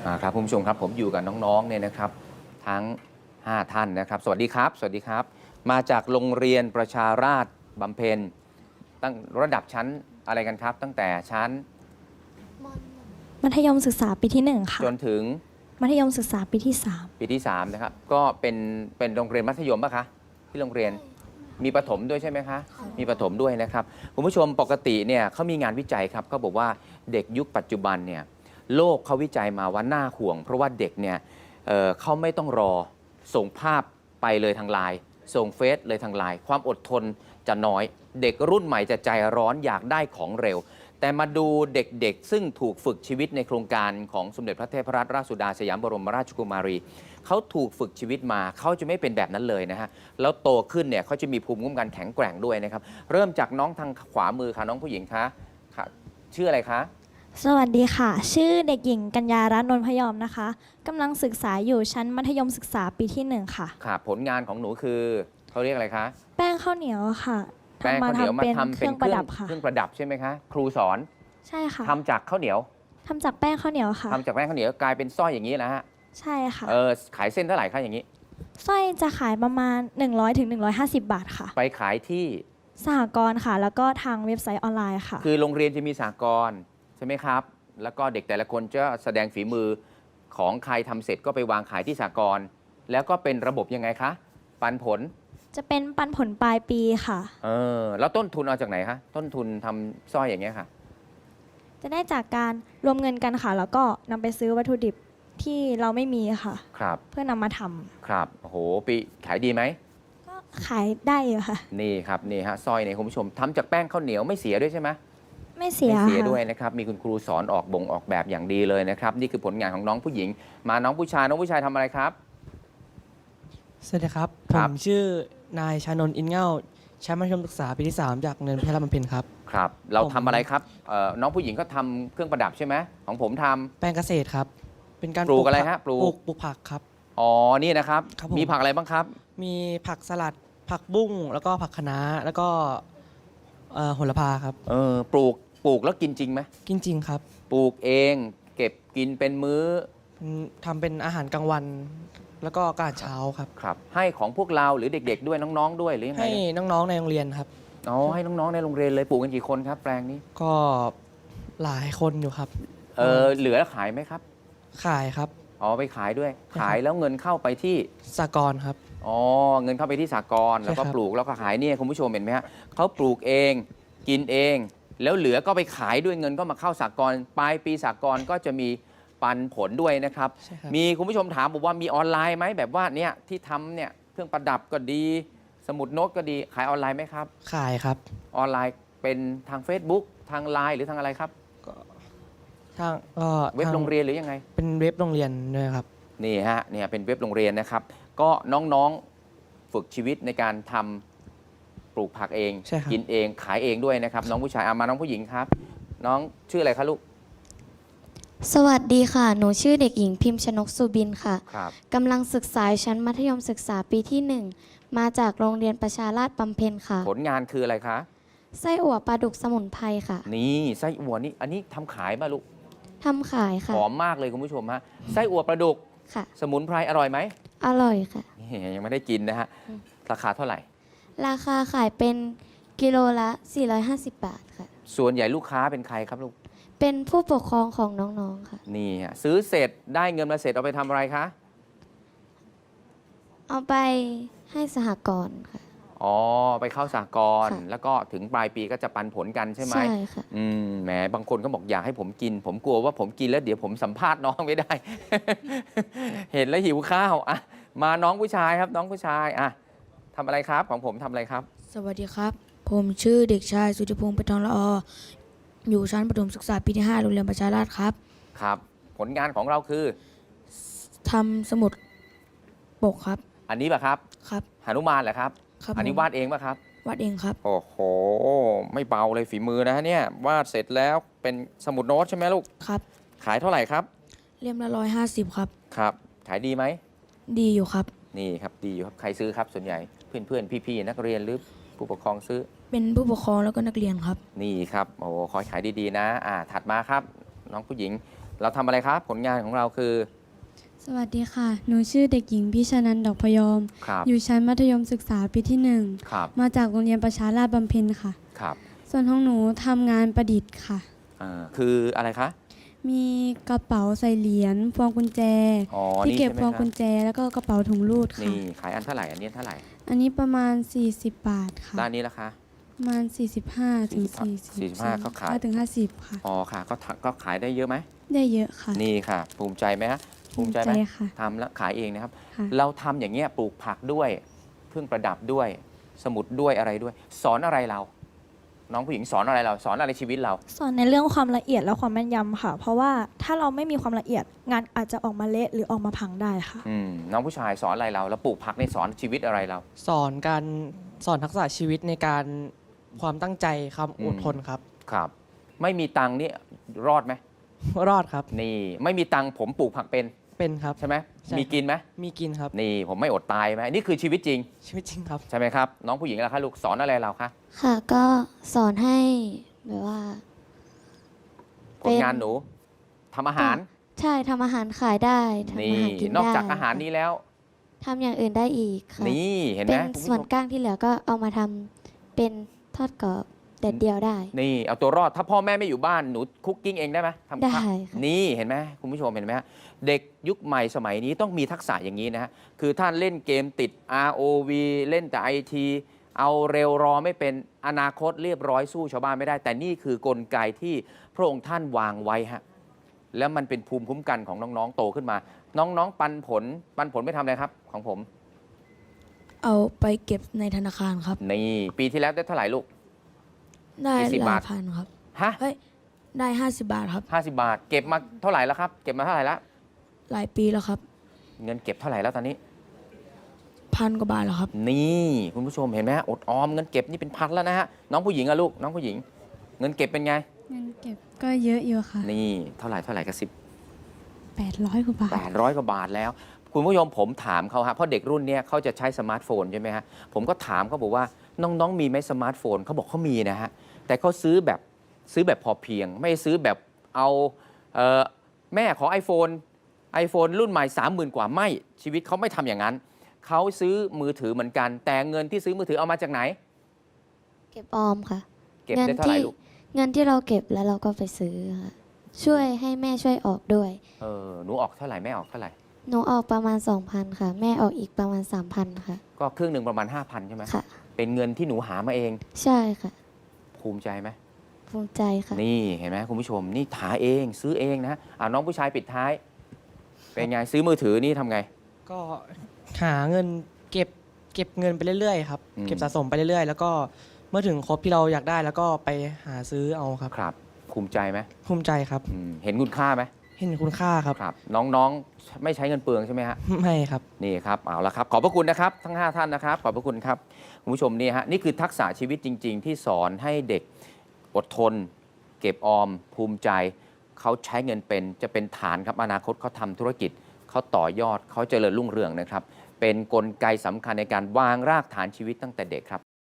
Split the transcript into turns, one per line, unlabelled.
ครับคุณผู้ชมครับผมอยู่กับน้องๆเนี่ยนะครับทั้ง5ท่านนะครับสวัสดีครับสวัสดีครับมาจากโรงเรียนประชาราษฎร์บำเพ็ญตั้งระดับชั้นอะไรกันครับตั้งแต่ชั้น
มัธยมศึกษาปีที่1ค่ะ
จนถึง
มัธยมศึกษาปีที่
ปีที่3นะครับก็เป็นโรงเรียนมัธยมป่ะคะที่โรงเรียนมีประถมด้วยใช่ไหมคะมีประถมด้วยนะครับคุณผู้ชมปกติเนี่ยเขามีงานวิจัยครับเขาบอกว่าเด็กยุคปัจจุบันเนี่ยโลกเขาวิจัยมาว่าน่าห่วงเพราะว่าเด็กเนี่ยเขาไม่ต้องรอส่งภาพไปเลยทางไลน์ส่งเฟซเลยทางไลน์ความอดทนจะน้อยเด็กรุ่นใหม่จะใจร้อนอยากได้ของเร็วแต่มาดูเด็กๆซึ่งถูกฝึกชีวิตในโครงการของสมเด็จพระเทพรัตนราชสุดาสยามบรมราชกุมารีเขาถูกฝึกชีวิตมาเขาจะไม่เป็นแบบนั้นเลยนะฮะแล้วโตขึ้นเนี่ยเขาจะมีภูมิคุ้มกันแข็งแกร่งด้วยนะครับเริ่มจากน้องทางขวามือค่ะน้องผู้หญิงคะชื่ออะไรคะ
3สวัสดีค่ะชื่อเด็กหญิงกัญญารัตน์นนพยอมนะคะกำลังศึกษาอยู่ชั้นมัธยมศึกษาปีที่1ค่ะ
ค่ะผลงานของหนูคือเขาเรียกอะไรคะ
แป้งข้าวเหนียวค่ะ
แป้งข้าวเหนียวมาทำเป็นเครื่อง
ค่ะ
ประดับใช่ไหมคะครูสอน
ใช่ค่ะ
ทำจากข้าวเหนียว
ทำจากแป้งข้าวเหนียวค่ะ
ทำจากแป้งข้าวเหนียวกลายเป็นสร้อยอย่างนี้นะฮะ
ใช่ค่ะ
ขายเส้นเท่าไหร่คะอย่างนี้
สร้อยจะขายประมาณ100 ถึง 150 บาทค่ะ
ไปขายที่
สหกรณ์ค่ะแล้วก็ทางเว็บไซต์ออนไลน์ค่ะ
คือโรงเรียนจะมีสหกรณ์ใช่ไหมครับแล้วก็เด็กแต่ละคนจะแสดงฝีมือของใครทำเสร็จก็ไปวางขายที่สหกรณ์แล้วก็เป็นระบบยังไงคะปันผล
จะเป็นปันผลปลายปีค่ะ
แล้วต้นทุนเอาจากไหนคะต้นทุนทำสร้อยอย่างเงี้ยค่ะ
จะได้จากการรวมเงินกันค่ะแล้วก็นำไปซื้อวัตถุดิบที่เราไม่มีค่ะ
ครับ
เพื่อนำมาทำ
ครับโอ้โหปีขายดีไหม
ก็ขายได้อยู่ค่ะ
นี่ครับนี่ฮะสร้อยเนี่ยคุณผู้ชมทำจากแป้งข้าวเหนียวไม่เสียด้วยใช่ไหม
ไม่เสีย
ด้วยนะครับมีคุณครูสอนออกแบบอย่างดีเลยนะครับนี่คือผลงานของน้องผู้หญิงมาน้องผู้ชายทำอะไรครับ
สวัสดีครับผมชื่อนายชานนท์อินเง่าชั้นมัธยมศึกษาปีที่3จากโรงเรียนพิทยาบำเพ็ญครับ
ครับเราทำอะไรครับน้องผู้หญิงก็ทำเครื่องประดับใช่ไหมของผมทำ
แปลงเกษตรครับเป็นการ
ปลูกอะไรฮะปลู
กผักครับ
อ๋อนี่นะครับมีผักอะไรบ้างครับ
มีผักสลัดผักบุ้งแล้วก็ผักคะน้าแล้วก็โหระพาครับ
ปลูกแล้วกินจริงไหม
กินจริงครับ
ปลูกเองเก็บกินเป็นมื้อ
ทำเป็นอาหารกลางวันแล้วก็อาหารเช้าครับ
ครับให้ของพวกเราหรือเด็กๆด้วยน้องๆด้วยหรือยังไง
ให้น้องๆในโรงเรียนครับ
อ๋อให้น้องๆในโรงเรียนเลยปลูกกันกี่คนครับแปลงนี้
ก็หลายคนอยู่ครับ
เหลือขายไหมครับ
ขายครับ
อ๋อไปขายด้วยขายแล้วเงินเข้าไปที่
สหกรณ์ครับ
อ๋อเงินเข้าไปที่สหกรณ์แล้วก็ปลูกแล้วก็ขายเนี่ยคุณผู้ชมเห็นไหมฮะเขาปลูกเองกินเองแล้วเหลือก็ไปขายด้วยเงินก็มาเข้าสหกรณ์ปลายปีสหกรณ์ก็จะมีปันผลด้วยนะครับมีคุณผู้ชมถามบอกว่ามีออนไลน์ไหมแบบว่าเนี่ยที่ทำเนี่ยเครื่องประดับก็ดีสมุดโน้ตก็ดีขายออนไลน์ไหมครับ
ขายครับ
ออนไลน์เป็นทาง Facebook ทางไลน์หรือทางอะไรครับ
ทาง
เว็บโรงเรียนหรือยังไง
เป็นเว็บโรงเรียนด้วยครับ
นี่ฮะเนี่ยเป็นเว็บโรงเรียนนะครับก็น้องๆฝึกชีวิตในการทำปลูกผักเองกินเองขายเองด้วยนะครับน้องผู้ชายมาน้องผู้หญิงครับน้องชื่ออะไรคะลูก
สวัสดีค่ะหนูชื่อเด็กหญิงพิมพ์ชนกสุบินค่ะกำลังศึกษาชั้นมัธยมศึกษาปีที่1มาจากโรงเรียนประชาราษฎร์บำเพ็ญค่ะ
ผลงานคืออะไรคะ
ไส้อั่วปลาดุกสมุนไพรค่ะ
นี่ไส้อั่วนี่อันนี้ทำขายป่ะลูก
ทำขายค่ะ
หอมมากเลยคุณผู้ชมฮะไส้อั่วปลาดุก
ค่ะ
สมุนไพรอร่อยไหม
อร่อยค่ะ
ยังไม่ได้กินนะฮะราคาเท่าไหร่
ราคาขายเป็นกิโลละ450 บาทค่ะ
ส่วนใหญ่ลูกค้าเป็นใครครับลูก
เป็นผู้ปกครองของน้องๆค่ะ
นี่ซื้อเสร็จได้เงินมาเสร็จเอาไปทำอะไรคะ
เอาไปให้สหกรณ์ค่ะ
อ๋อไปเข้าสหกรณ์แล้วก็ถึงปลายปีก็จะปันผลกันใช่ไหม
ใช่ค่ะ
แหมบางคนก็บอกอยากให้ผมกินผมกลัวว่าผมกินแล้วเดี๋ยวผมสัมภาษณ์น้องไม่ได้ เห็นแล้วหิวข้าวมาน้องผู้ชายครับน้องผู้ชายทำอะไรครับของผมทำอะไรครับ
สวัสดีครับผมชื่อเด็กชายสุธิพงศ์ปทองละออยู่ชั้นประถมศึกษาปีที่5โรงเรียนประชาราษฎร์ครับ
ครับผลงานของเราคือ
ทำสมุดปกครับ
อันนี้ป่ะครับ
ครับ
หนุมานเหรอครับอันนี้วาดเองป่ะครับ
วาดเองครับ
โอ้โหไม่เบาเลยฝีมือนะเนี่ยวาดเสร็จแล้วเป็นสมุดโน้ตใช่ไหมลูก
ครับ
ขายเท่าไหร่ครับ
เล่มละ150ครับ
ครับขายดีไหม
ดีอยู่ครับ
นี่ครับดีอยู่ครับใครซื้อครับส่วนใหญ่เพื่อนๆพี่ๆนักเรียนหรือผู้ปกครองซื้อ
เป็นผู้ปกครองแล้วก็นักเรียนครับ
นี่ครับโอ้ขอขายดีๆนะถัดมาครับน้องผู้หญิงเราทำอะไรครับผลงานของเราคือ
สวัสดีค่ะ หนูชื่อเด็กหญิงพิชานันท์ดอกพยอม
ครับ
อยู่ชั้นมัธยมศึกษาปีที่
ครับ
1 มาจากโรงเรียนประชาราษฎร์บำเพ็ญค่ะ
ครับ
ส่วนของหนูทำงานประดิษฐ์ค่ะ
คืออะไรคะ
มีกระเป๋าใส่เหรียญพวงกุญแจ
อ๋อ
ที่
นี่
เก็บ
ใช่ไหม
พวง
ครั
กุ
บ
ญแจ แล้วก็กระเป๋าถุงรูดค่ะ
นี่ขายอันเท่าไหร่อันนี้เท่าไหร่
อันนี้ประมาณ 40 บาทค่ะ
ด้านนี้ละคะ
ประมาณ 45 ถึง
45เขาขาย
ถึง 50 ค่ะ
อ๋อค่ะก็ขายได้เยอะไหม
ได้เยอะค่ะ
นี่ค่ะ ภูมิใจไหมฮะภูมิใจไหม
ค่ะ
ทำแล้วขายเองนะครับ
ค่ะ
เราทำอย่างเงี้ยปลูกผักด้วยเครื่องประดับด้วย สมุดด้วยอะไรด้วย สอนอะไรเรา น้องผู้หญิงสอนอะไรเรา สอนอะไรชีวิตเรา
สอนในเรื่องความละเอียดและความแม่นยำค่ะ เพราะว่าถ้าเราไม่มีความละเอียดงานอาจจะออกมาเละหรือออกมาพังได้ค่ะ
น้องผู้ชายสอนอะไรเรา แล้วปลูกผักในสอนชีวิตอะไรเรา
สอนทักษะชีวิตในการความตั้งใจความอดทนครับ
ครับ ไม่มีตังค์นี่รอดไหม
รอดครับ
นี่ไม่มีตังค์ผมปลูกผักเป็น
ครับ
ใช่ไหม
ใช่
มีกินไหม
มีกินครับ
นี่ผมไม่อดตายไหมนี่คือชีวิตจริง
ชีวิตจริงครับ
ใช่ไหมครับ น้องผู้หญิงล่ะคะลูกสอนอะไรเราคะ
ค่ะ ก็สอนให้แบบว่า
ผลงานหนูทำอาหาร
ใช่ทำอาหารขายได้ทำ
นี่
อาหารกินได้
นอกจากอาหารนี้แล้ว
ทำอย่างอื่นได้อีกค่ะ
นี่เห็นไห
เป็
ม
น
คุณผู้ช
ส่วน
ม
ก้างที่เหลือก็เอามาทำเป็นทอดกรอบแดดเดียวได้
นี่เอาตัวรอดถ้าพ่อแม่ไม่อยู่บ้านหนูคุกกิ้งเองได้ไหมทำ
ได้
ข้าว
ค่ะ
นี่เห็นไหมคุณผู้ชมเห็นไหมฮะเด็กยุคใหม่สมัยนี้ต้องมีทักษะอย่างนี้นะฮะคือท่านเล่นเกมติด ROV เล่นแต่ IT เอาเร็วรอไม่เป็นอนาคตเรียบร้อยสู้ชาวบ้านไม่ได้ แต่นี่คือกลไกที่พระองค์ท่านวางไว้ฮะแล้วมันเป็นภูมิคุ้มกันของน้องๆโตขึ้นมา น้องๆปันผลไม่ทำอะไรครับของผม
เอาไปเก็บในธนาคารครับ
นี่ปีที่แล้วได้เท่าไหร่ลูก
ได้
กี่สิบ
ห
บา
ลา
ท
ยพันครับ
ฮะ
เฮ้ย ได้ 50 บาทครับ
50 บาท เก็บมาเท่าไหร่แล้วครับเก็บมาเท่าไหร่แล้ว
หลายปีแล้วครับ
เงินเก็บเท่าไหร่แล้วตอนนี้
1,000 กว่าบาทแล้วครับ
นี่คุณผู้ชมเห็นไหมอดออมเงินเก็บนี่เป็นพันแล้วนะฮะน้องผู้หญิงอะลูกน้องผู้หญิง เงินเก็บเป็นไง
เงินเก็บก็เยอะอยู่ค่ะ
นี่เท่าไหร่กับ
800 กว่าบาท
800 กว่าบาทแล้ว คุณผู้ชมผมถามเขาฮะเพราะเด็กรุ่นเนี้ยเขาจะใช้สมาร์ทโฟนใช่ไหมฮะผมก็ถามเขาบอกว่าน้องๆมีไหมสมาร์ทโฟนเขาบอกเขามีนะฮะแต่เขาซื้อแบบพอเพียง ไม่ซื้อแบบเอาแม่ขอ iPhone รุ่นใหม่ 30,000 กว่าไม่ชีวิตเขาไม่ทำอย่างนั้นเขาซื้อมือถือเหมือนกัน แต่เงินที่ซื้อมือถือเอามาจากไหน
เก็บออมค่ะ
เก็บได้เท่าไหร่ลูก
เงินที่เราเก็บแล้วเราก็ไปซื้อค่ะช่วยให้แม่ช่วยออกด้วย
หนูออกเท่าไหร่แม่ออกเท่าไหร่
หนูออกประมาณ 2,000 ค่ะ แม่ออกอีกประมาณ 3,000 ค่ะ
ก็ครึ่งหนึ่งประมาณ 5,000 ใช่ไหม
ค่ะ
เป็นเงินที่หนูหามาเอง
ใช่ค่ะ
ภูมิใจไหม
ภูมิใจค่ะ
นี่เห็นไหมคุณผู้ชมนี่หาเองซื้อเองนะน้องผู้ชายปิดท้าย เป็นไงซื้อมือถือนี่ทำไง
ก็หาเงินเก็บเงินไปเรื่อยๆครับ
อืม
เก็บสะสมไปเรื่อยๆ แล้วก็เมื่อถึงครบที่เราอยากได้แล้วก็ไปหาซื้อเอาครับ
ครับ ภูมิใจไหม
ภูมิใจครับ
เห็นคุณค่าไหม
เห็นคุณค่าครับ
ครับ น้องๆไม่ใช้เงินเปลืองใช่ไหมฮะ
ไม่ครับ
นี่ครับเอาละครับขอบพระคุณนะครับทั้ง 5 ท่านนะครับขอบพระคุณครับคุณผู้ชมนี่ฮะนี่คือทักษะชีวิตจริง ๆ ที่สอนให้เด็กอดทน เก็บออม ภูมิใจเขาใช้เงินเป็นจะเป็นฐานครับอนาคตเขาทำธุรกิจเขาต่อยอดเขาเจริญรุ่งเรืองนะครับ เป็นกลไกสำคัญในการวางรากฐานชีวิตตั้งแต่เด็กครับ